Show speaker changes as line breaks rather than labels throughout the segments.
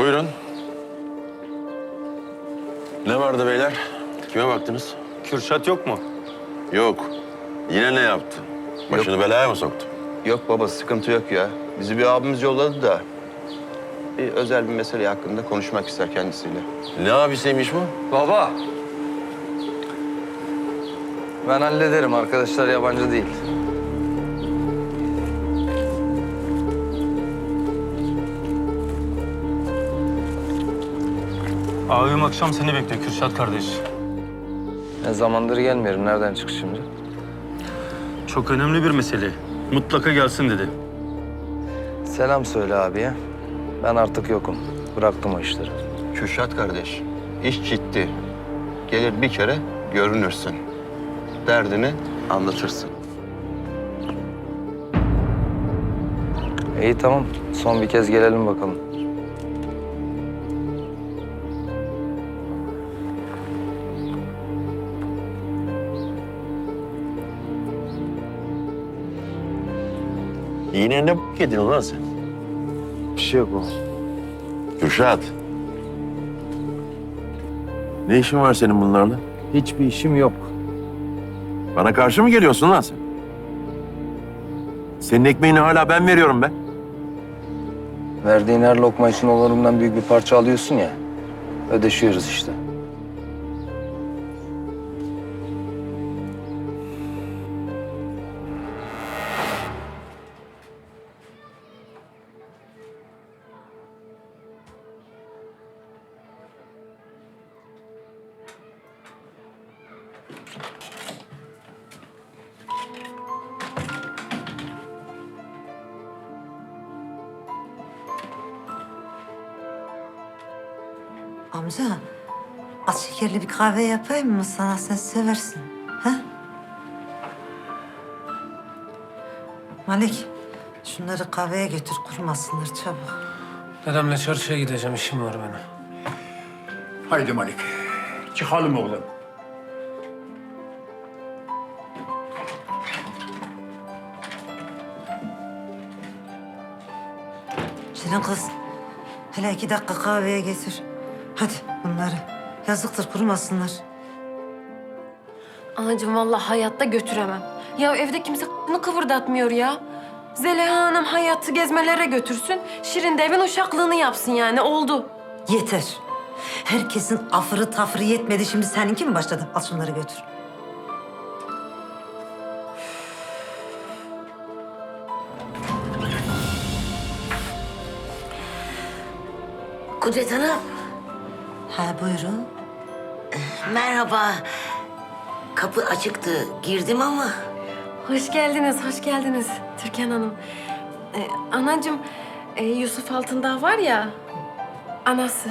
Buyurun. Ne vardı beyler? Kime baktınız?
Kürşat yok mu?
Yok. Yine ne yaptı? Başını belaya mı soktu?
Yok baba, sıkıntı yok ya. Bizi bir abimiz yolladı da bir özel bir mesele hakkında konuşmak ister kendisiyle.
Ne abisiymiş bu?
Baba. Ben hallederim. Arkadaşlar yabancı değil.
Abim akşam seni bekliyor Kürşat kardeş.
Ne zamandır gelmiyorum. Nereden çıktı şimdi?
Çok önemli bir mesele. Mutlaka gelsin dedi.
Selam söyle abiye. Ben artık yokum. Bıraktım o işleri.
Kürşat kardeş, iş ciddi. Gelir bir kere görünürsün. Derdini anlatırsın.
İyi tamam. Son bir kez gelelim bakalım.
Yine ne yedin ulan sen?
Bir şey yok baba.
Kürşat. Ne işin var senin bunlarla?
Hiçbir işim yok.
Bana karşı mı geliyorsun lan sen? Senin ekmeğini hala ben veriyorum be.
Verdiğin her lokma için onurumdan büyük bir parça alıyorsun ya. Ödeşiyoruz işte.
Amca, az şekerli bir kahve yapayım mı sana? Sen seversin. Ha? Malik, şunları kahveye götür, kurumasınlar çabuk.
Dedemle çarşıya gideceğim, işim var benim.
Haydi Malik, çıkalım oğlum.
Şirin kız, hele 2 dakika kahveye getir. Hadi bunları. Yazıktır, kurumasınlar.
Anacığım vallahi hayatta götüremem. Ya evde kimse kıvırdatmıyor ya. Zeliha Hanım hayatı gezmelere götürsün. Şirin de evin uşaklığını yapsın yani oldu.
Yeter. Herkesin afırı tafırı yetmedi. Şimdi seninki mi başladı? Al şunları götür.
Kudret Hanım,
Ha buyurun.
merhaba. Kapı açıktı, girdim ama...
Hoş geldiniz, hoş geldiniz Türkan Hanım. Anacığım, Yusuf Altındağ var ya, anası.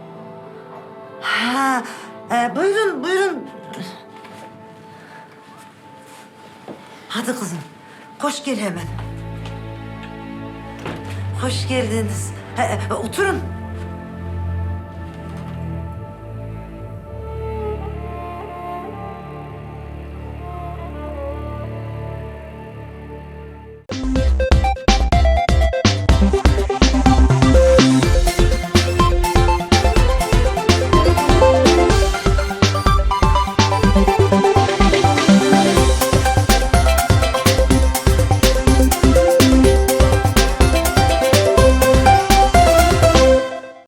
Ha, buyurun, buyurun. Hadi kızım, koş gel hemen. Hoş geldiniz. Oturun.